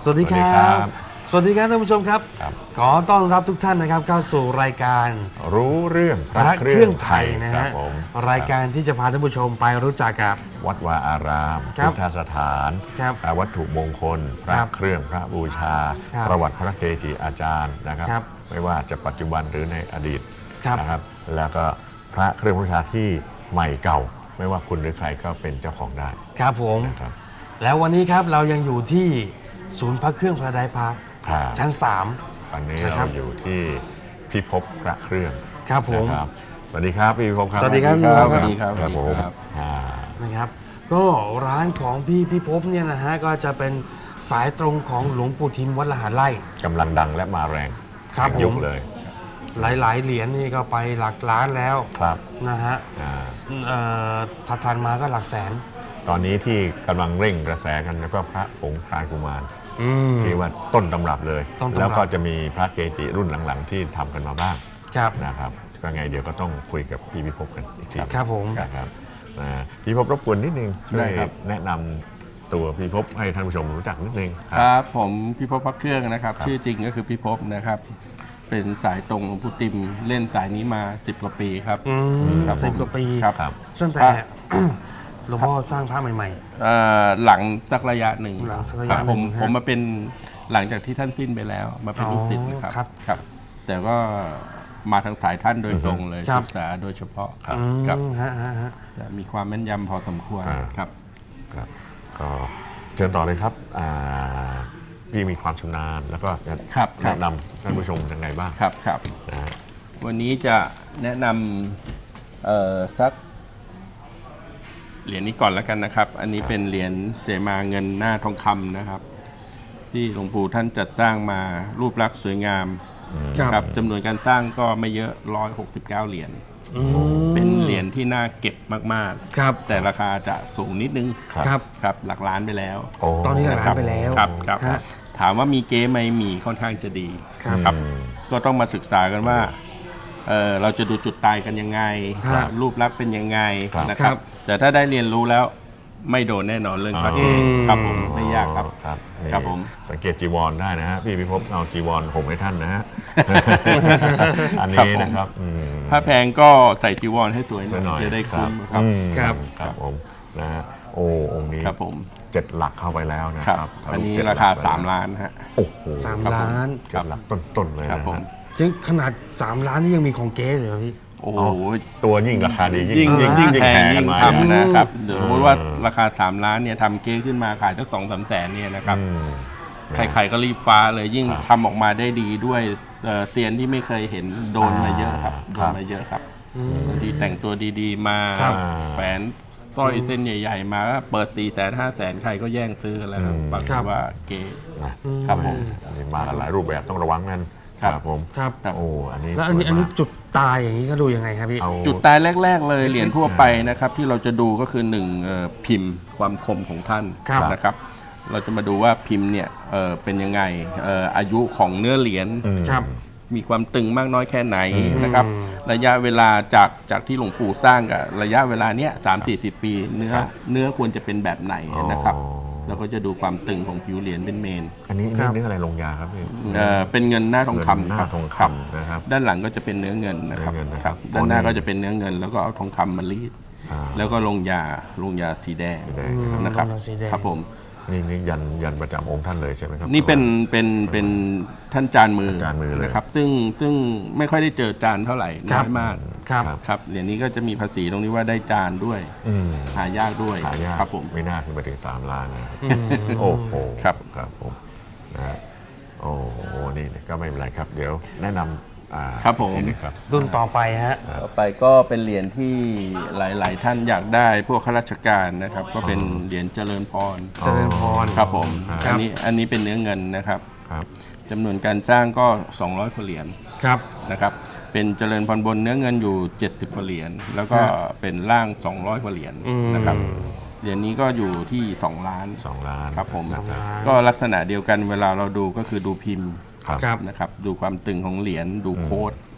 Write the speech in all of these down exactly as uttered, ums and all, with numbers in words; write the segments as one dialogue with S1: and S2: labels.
S1: สวัสดีครับสวัสดีครับท่านผู้ชมครับขอต้อนรับทุกท่านนะครับเข้าสู่รายการ
S2: รู้เรื่อง
S1: พระเครื่องไทยนะฮะรายการที่จะพาท่านผู้ชมไปรู้จักกับ
S2: วัดวาอารามพุทธสถานวัตถุมงคลพระเครื่องพระบูชาประวัติพระเกจิอาจารย์นะครับไม่ว่าจะปัจจุบันหรือในอดีตนะครับแล้วก็พระเครื่องบูชาที่ใหม่เก่าไม่ว่าคุณหรือใครก็เป็นเจ้าของได้
S1: ครับผมแล้ววันนี้ครับเรายังอยู่ที่ศูนย์พระเครื่องพระไดพาร์คชั้นสาม
S2: วันนี้เราอยู่ที่พิภพพระเครื่อง
S1: ครับผม
S2: สวัสดีครับพี่พิภพครับ
S1: สวัสดีครับ
S3: สวัสดีครับ
S2: ครับผม
S1: นะครับก็ร้านของพี่พิภพเนี่ยนะฮะก็จะเป็นสายตรงของหลวงปู่ทิมวัดละหารไร่
S2: กำลังดังและมาแรง
S1: ครับ
S2: ยุคเลย
S1: หลายๆเหรียญนี่ก็ไปหลักล้านแล้ว
S2: ครับ
S1: นะฮะถัดทันมาก็หลักแสน
S2: ตอนนี้ที่กำลังเร่งกระแสกันแล้วก็พระผงพรานกุมารที่ว่าต้นตำรับเลยแล้วก็จะมีพระเกจิรุ่นหลังๆที่ทำกันมาบ้างนะครับก็ไงเดี๋ยวก็ต้องคุยกับพี่พิภพกันอีกที
S1: ครับผม
S2: ครับพี่พิภพรบกวนนิดนึงช่วยแนะนำตัวพี่พิภพให้ท่านผู้ชมรู้จักนิดนึง
S3: ครับผมพิภพพระเครื่องนะครับชื่อจริงก็คือพิภพนะครับเป็นสายตรงหลวงปู่ติมเล่นสายนี้มาสิบกว่าปีครับ
S1: สิบกว่าปี
S3: ครับ
S1: ตั้งแต่หลวงพ่อสร้างพระใหม่
S3: ๆหลังสักระยะหนึ่ง
S1: หลังสักระยะห
S3: นึ่งผมผมมาเป็นหลังจากที่ท่านสิ้นไปแล้วมาเป็นลูกศิษย์นะครับครับแต่ก็มาทางสายท่านโดยตรงเลยศึกษาโดยเฉพาะครับจะมีความแม่นยำพอสมควรครับ
S2: ครับก็เชิญต่อเลยครับพี่มีความชำนาญแล้วก็แนะนำท่านผู้ชมยังไงบ้าง
S3: ครับครับวันนี้จะแนะนำสักเหรียญนี้ก่อนแล้วกันนะครับอันนี้เป็นเหรียญเสมาเงินหน้าทองคำนะครับที่หลวงปู่ท่านจัดสร้างมารูปลักษณ์สวยงามครับจำนวนการสร้างก็ไม่เยอะหนึ่งร้อยหกสิบเก้าเหรียญเป็นเหรียญที่น่าเก็บมากๆครับแต่ราคาจะสูงนิดนึงครับครับหลักล้านไปแล้ว
S1: ตอนนี้หลักล้านไปแล้ว
S3: ครับครับถามว่ามีเก๊ไหมมีค่อนข้างจะดีครับก็ต้องมาศึกษากันว่าเ, เราจะดูจุดตายกันยังไงรูปลักษณ์เป็นยังไงนะครับแต่ถ้าได้เรียนรู้แล้วไม่โดนแน่นอนเรื่องพระเอกครับผมไม่ยากครับครับผม
S2: สังเกตจีวรได้นะฮะพี่พิภพเอาจีวรผมให้ท่านนะฮะอันนี้นะครับ
S3: ถ้าแพงก็ใส่จีวรให้สวยหน่อยจะได้คุ้มครับ
S2: ครับครับผมนะฮะโอ้องค์นี้
S3: ครับผม
S2: เจ็ดหลักเข้าไปแล้วนะครับ
S3: อันนี้ราคาสามล้านฮะ
S2: โอ้โห
S1: สามล้าน
S2: เจ็ดหลักต้นๆเลย
S3: ครับผม
S1: ยังขนาดสามล้านนี่ยังมีของเก๊เลยพี่
S3: โอ้
S2: ตัวยิ่งราคาดี
S3: ยิ่งยิ่งยิ่งแพงยิ่งทำนะครับเดี๋ยวสมมติว่าราคาสามล้านเนี่ยทำเก๊ขึ้นมาขายตั้งสองสามแสนเนี่ยนะครับใครๆก็รีบฟ้าเลยยิ่งทำออกมาได้ดีด้วยเซียนที่ไม่เคยเห็นโดนมาเยอะครับโดนมาเยอะครับบางทีแต่งตัวดีๆมาแฝนสร้อยเส้นใหญ่ๆมาเปิดสี่แสนห้าแสนใครก็แย่งซื้อแล้วบางทีว่าเก๊ครับผม
S2: มาหลายรูปแบบต้องระวังนั่นครับผม
S1: ครับ
S2: โอ้อันนี้
S1: แล้วอันนี้อันนี้จุดตายอย่างนี้ก็ดูยังไงครับพี่
S3: จุดตายแรกๆเลยเหรียญทั่วไปนะครับที่เราจะดูก็คือหนึ่งพิมพ์ความคมของท่านนะครับเราจะมาดูว่าพิมพ์เนี่ยเป็นยังไงอายุของเนื้อเหรียญมีความตึงมากน้อยแค่ไหนนะครับระยะเวลาจากจากที่หลวงปู่สร้างกับระยะเวลาเนี้ยสามสี่สิบปีเนื้อเนื้อควรจะเป็นแบบไหนนะครับแล้วก็จะดูความตึงของผิวเหรียญเป็นเมน
S2: อันนี้เนื้ออะไรลงยาครับพี่
S3: เป็นเงินหน้าทองคำครับ
S2: ทองคำนะครับ
S3: ด้านหลังก็จะเป็นเนื้อเงินนะครับด้านหน้าก็จะเป็นเนื้อเงินแล้วก็เอาทองคำมารีดแล้วก็ลงยาลงยาสีแดงนะครับครับผม
S2: นี่นี่ยันยันประจำองค์ท่านเลยใช่ไหมครับ
S3: นี่เป็นเป็นเป็นท่านจานมือนะครับซึ่งซึ่งไม่ค่อยได้เจอจานเท่าไหร่น้อยมาก
S1: ครับ
S3: ครับเหรียญนี้ก็จะมีภาษีตรงนี้ว่าได้จานด้วยหายากด้วย
S2: หายาก
S3: ครับผม
S2: ไม่น่าขึ้นไปถึงสามล้านนะโอ้โห
S3: ครับ
S2: ครับผมนะโอ้โหนี่ก็ไม่เป็นไรครับเดี๋ยวแนะนำ
S3: ครับผม
S1: รุ่นต่อไปฮะ
S3: ต่อไปก็เป็นเหรียญที่หลายๆท่านอยากได้พวกข้าราชการนะครับก็เป็นเหรียญเจริญพร
S1: เจริญพร
S3: ครับผมอันนี้อันนี้เป็นเนื้อเงินนะครับจำนวนการสร้างก็สองร้อยกว่าเหรียญ
S1: ครับ
S3: นะครับเป็นเจริญพรบนเนื้อเงินอยู่เจ็ดสิบกว่าเหรียญแล้วก็เป็นล่างสองร้อยกว่าเหรียญนะครับเหรียญนี้ก็อยู่ที่สองล้าน
S2: สองล้าน
S3: ครับผมก็ลักษณะเดียวกันเวลาเราดูก็คือดูพิมพ์นะครับดูความตึงของเหรียญดูโค้ด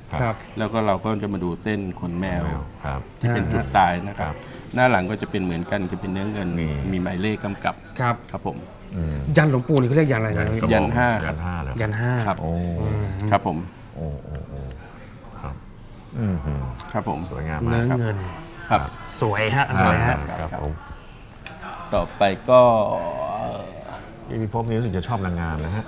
S1: ครับ
S3: แล้วก็เราก็จะมาดูเส้นขนแมว
S2: ครับ
S3: ที่เป็นจุดตายนะครั
S2: ครับ บ
S3: หน้าหลังก็จะเป็นเหมือนกันจะเป็นเนื้อเงิน
S2: นี่
S3: มีหมายเลขกำกับ
S1: ครับ
S3: ครับผม
S2: อืม
S1: ยันหลวงปู่นี่เขาเรียกยันอะไรนะ
S2: กระบอก
S3: ยันห้า
S2: ยันห้าเลย
S1: ยันห้า
S3: ครับ
S2: โอ้
S3: ครับผม
S2: โอ้โอ้โอ้ครับอืมหืม
S3: ครับผม
S2: สวยงาม
S1: เนื้
S2: มา
S1: อก
S2: ครับ
S1: เงิน
S3: ครับ
S1: สวยฮะสวยฮะ
S2: ครับผม
S3: ต่อไปก็
S2: พี่พิภพนี่รู้สึกจะชอบนางงามนะฮะ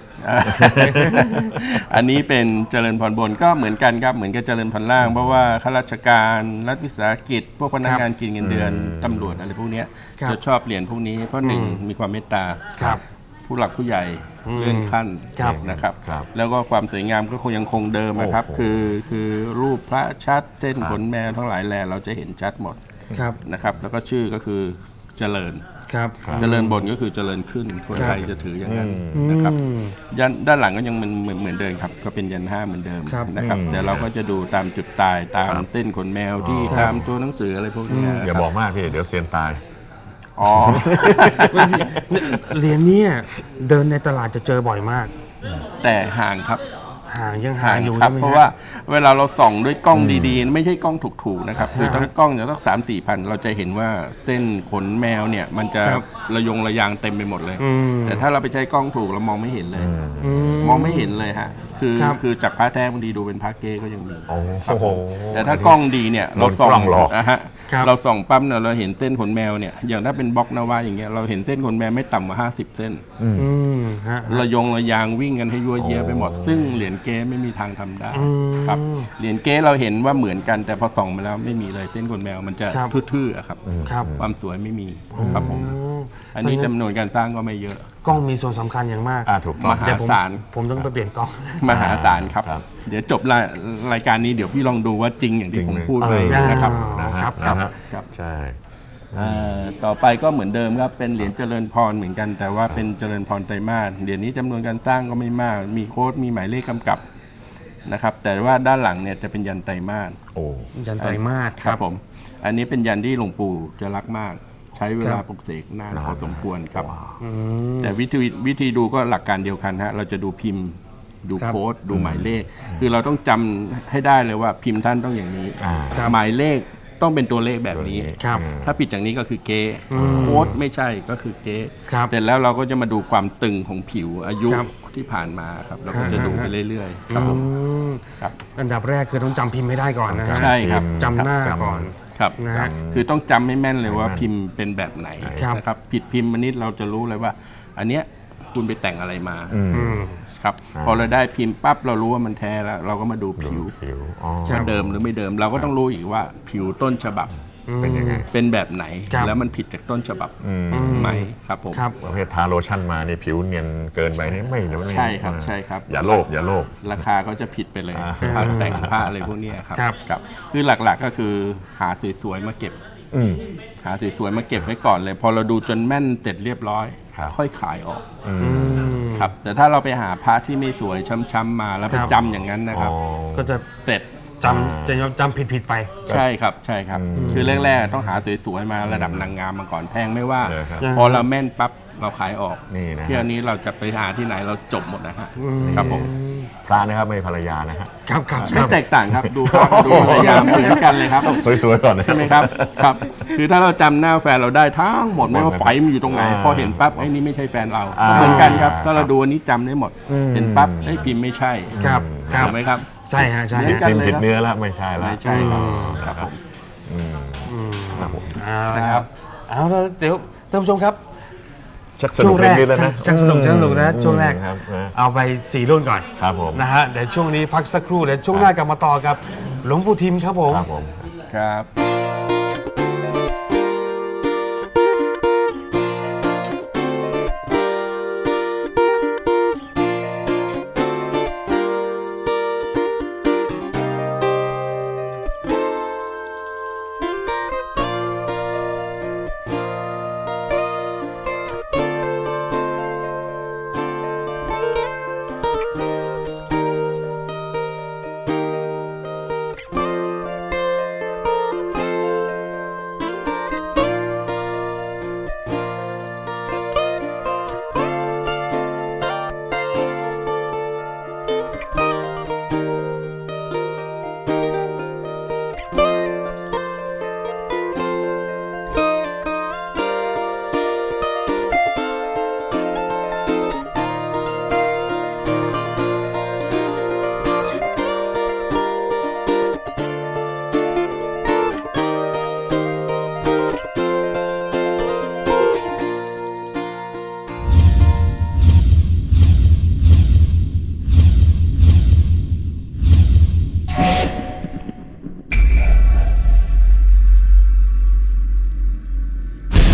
S3: อันนี้เป็นเจริญพรบนก็เหมือนกันครับเหมือนกับเจริญพรล่าง เพราะว่าข้าราชการรัฐวิสาหกิจ พวกพนักงานกินเงินเดือน
S2: อืม
S3: ตำรวจอะไรพวกเนี้ย
S1: ครับ
S3: จะชอบเหรียญพวกนี้เพราะหนึ่ง
S1: อืม
S3: มีความเมตตา
S1: ครับ
S3: ผู้หลักผู้ใหญ่
S1: อืม
S3: เลื่อนขั้น
S1: ครับ
S3: นะครับ
S2: ครับ
S3: แล้วก็ความสวยงามก็คงยังคงเดิมนะครับ
S2: โอ้โห
S3: คือคือรูปพระชัดเส้น
S2: ครับ
S3: ขนแมวทั้งหลายแหล่เราจะเห็นชัดหมด
S1: ครับ
S3: นะครับ แล้วก็ชื่อก็คือเจริญ
S1: ครับ
S3: เจริญบนก็คือเจริญขึ้น คนไทยจะถืออย่างนั้น
S2: อืม
S3: นะครับ
S1: อืม
S3: ยันด้านหลังก็ยังเหมือนเหมือนเหมือนเดิมครับ ก็เป็นยันห้าเหมือนเดิม
S1: ครับ
S3: นะครับ
S2: อืม
S3: แต่เราก็จะดูตามจุดตายตาม
S2: ครับ
S3: เต้นขนแมวที่
S2: อ๋อ
S3: ตามตัวหนังสืออะไรพวกเนี้ย
S2: อย่าบอกมากพี่เดี๋ยวเซียนตาย
S3: อ๋อ
S1: เหรียญเนี้เดินในตลาดจะเจอบ่อยมาก
S3: แต่ห่างครับ
S1: ห่างยังห่า
S3: ห่าง ง
S1: อยู่
S3: ครับ
S1: ใช่ไหม
S3: เพราะ
S1: ฮ
S3: ว่าเวลาเราส่องด้วยกล้องดีๆ ไม่ใช่กล้องถูกๆนะครับคือ
S1: ฮะ
S3: ต้องกล้องจะต้องสามสี่พันเราจะเห็นว่าเส้นขนแมวเนี่ยมันจะ
S1: ครับ
S3: ระยงระยางเต็มไปหมดเลย
S1: อืม
S3: แต่ถ้าเราไปใช้กล้องถูกเรามองไม่เห็นเลย
S1: อื
S3: มองไม่เห็นเลยฮะคือ
S1: ครับ
S3: คือจากพระแท้บางทีดูเป็นพระเก้ก็ยังมี
S2: โอ้
S3: ครับ
S2: โห
S3: ผมแต่ถ้ากล้องดีเนี่ยเราส่อง
S2: โดนกล้องหลอก
S3: นะฮะ
S1: ครับ
S3: เราส่องปั๊บเนี่ยเราเห็นเส้นขนแมวเนี่ยอย่างถ้าเป็นบล็อกนาวาอย่างเงี้ยเราเห็นเส้นขนแมวไม่ต่ำกว่าห้าสิบเส้น
S2: อืม
S1: อืมฮะ
S3: ระยงระยางวิ่งกันให้ยั่วเยียไปหมด
S2: โอ้
S3: ซึ่งเหรียญเก้ไม่มีทางทำได้
S1: อืม
S3: ครับเหรียญเก้เราเห็นว่าเหมือนกันแต่พอส่องมาแล้วไม่มีเลยเส้นขนแมวมันจะ
S1: ครับ
S3: ทื่อๆอะครับ
S1: ครับ
S3: ความสวยไม่มีครับผม
S1: อืม
S3: อันนี้จำนวนการสร้างก็ไม่เยอะ
S1: กล้องมีส่วนสำคัญอย่างมาก
S2: อ่าถูกต้อง
S3: มหา
S1: เดี๋ยวผม
S3: ศาล
S1: ผมต้องไปเปลี่ยนกล้อง
S3: มหาศาลครับ
S2: ครับ
S3: เดี๋ยวจบรายรายการนี้เดี๋ยวพี่ลองดูว่าจริงอย่างที่ผมพูด
S1: เอ
S3: ไป
S1: อ
S3: นะครับ
S2: นะฮะ
S1: ครับ
S2: นะฮะ
S3: ครับ
S2: ใช่
S3: เอ่อต่อไปก็เหมือนเดิมครับเป็นเหรียญเจริญพรเหมือนกัน แต่ว่าเป็นเจริญพรไตรมาสเหรียญนี้จำนวนการสร้างก็ไม่มาก มีโค้ดมีหมายเลขกำกับนะครับแต่ว่าด้านหลังเนี่ยจะเป็นยันไตรมาส
S2: โอ้
S1: ยันไตรมาส
S3: ครับผม อันนี้เป็นยันที่หลวงปู่จะรักมาก ใช้เวลา
S1: ครับ
S3: ปลุกเสกนานพอสมควรครับ
S1: อืม
S3: แต่วิธีวิธีดูก็หลักการเดียวกันฮะเราจะดูพิมพ์ ดู
S1: ครับ
S3: โค้ดดูหมายเลข คือเราต้องจำให้ได้เลยว่าพิมพ์ท่านต้องอย่างนี้
S2: อ่า
S1: ครับ
S3: หมายเลขต้องเป็นตัวเลขแบบนี้
S1: ครับ
S3: ถ้าผิดจากนี้ก็คือเก๊
S1: อืม
S3: โค้ดไม่ใช่ก็คือเก๊
S1: ครับ
S3: แต่แล้วเราก็จะมาดูความตึงของผิวอายุ
S1: ครับ
S3: ที่ผ่านมาครับเราก็จะดูไปเรื่อยๆ ครับผม
S1: อืม
S3: ครับ
S1: อันดับแรกคือต้องจำพิมพ์ให้ได้ก่อนนะฮะ
S3: ใช่ครับ
S1: จำหน้า
S2: ครับ
S1: ก่อน
S3: ครับ
S1: นะฮะ
S3: คือต้องจำให้แม่นเลยว่า
S2: ให้แม่น
S3: พิมพ์เป็นแบบไหน
S1: ครับ
S3: นะครับผิดพิมพ์มานิดเราจะรู้เลยว่า อันเนี้ยคุณไปแต่งอะไรมา
S2: อืม
S1: อืม
S3: ครับ
S2: อ่า
S3: พอเราได้พิมพ์ปั๊บเรารู้ว่ามันแท้แล้ว เราก็มาดูผิว
S2: ผิวอ๋อ
S3: ว่าเดิมหรือไม่เดิม เราก็ต้องรู้อีกว่าผิวต้นฉบับ
S2: เป็นยังไง
S3: เป็นแบบไหน
S1: ครับ
S3: แล้วมันผิดจากต้นฉบับ
S2: อืม
S3: ไหมครับผม
S1: ครับ
S2: ประเภททาโลชั่นมานี่ผิวเนียนเกินไปนี่ไม่เดี๋ยวไม่
S3: ใช่ครับใช่ครับ
S2: อย่าโลภอย่าโลภ
S3: ราคาก็จะผิดไปเลย
S2: อ่า
S3: ผ้าแต่งผ้าอะไรพวกเนี้ยครับ
S1: ครับ
S3: ครับคือหลักๆก็คือหาสวยๆมาเก็บ
S2: อืม
S3: หาสวยๆมาเก็บไว้ก่อนเลย พอเราดูจนแม่นเสร็จเรียบร้อย
S2: ครับ
S3: ค่อยขายออก
S2: อื
S1: อื
S2: ม
S1: ม
S3: ครับ แต่ถ้าเราไปหาพระที่ไม่สวยช้ำๆมาแล้วไป
S1: ครับ
S3: จำอย่างนั้นนะครับ
S2: อ๋อ
S1: ก็จะ
S3: เสร็จ
S1: จำจะจำผิดผิดๆไป
S3: ใช่ครับใช่ครับ
S2: อืม
S3: คือแรกๆต้องหาสวยๆมาระดับนางงามมาก่อนแพงไม่ว่า
S2: เลยครับ
S3: พอเราแม่นปั๊บเราขายออก
S2: นี่นะฮะ
S3: เที่ยวนี้เราจะไปหาที่ไหนเราจบหมดนะฮะ
S1: อืม
S3: ครับผม
S2: พระนะครับไม่ภรรยานะฮะ
S1: ครับครับค
S3: ไม่
S1: รับ
S3: แตกต่างครับดูภาพดูพยายามเหมือนกันเลยครับ
S2: สวยๆก่อนนะ
S3: ใช่ไหมครับครับ คือถ้าเราจำหน้าแฟนเราได้ทั้งหมดไม่ว่าไฟมันอยู่ตรงไหน
S2: อ่า
S3: พอเห็นปั๊บไอ้นี่ไม่ใช่แฟนเรา
S2: อ่า
S3: เหมือนกันครับถ้าเราดูอันนี้จำได้หมด
S1: อืม
S3: เห็นปั๊บไอ้ยพิมพ์ไม่ใช่
S1: ครับครับ
S3: ถูกไหมครับ
S1: ใช่ฮะใช่
S3: เหมือน
S1: ฮะ
S3: กัน
S2: พิมพ์ผิดเนื้อแล้วไม่ใช่แล้ว
S3: ไม่ใช่ครับ
S1: อืม
S3: ครับผม
S2: อืม
S1: อืม
S2: ครับผม
S1: เอาละครับเอาละเดี๋ยวท่านผู้ชมครับ
S2: ชักส
S1: ช่
S2: นุ
S1: ว
S2: ก
S1: งแรก
S2: นิดๆแล้วนะ
S1: ชักสนุกชักสนุกนะช่วงแรก
S2: ครับนะ
S1: เอาไปสี่รุ่นก่อน
S2: ครับผม
S1: นะฮะเดี๋ยวช่วงนี้พักสักครู่เดี๋ยวช่วงหน้ากลับมาต่อกับหลวงปู่ทิมครับผม
S2: ครับผม
S3: ครับ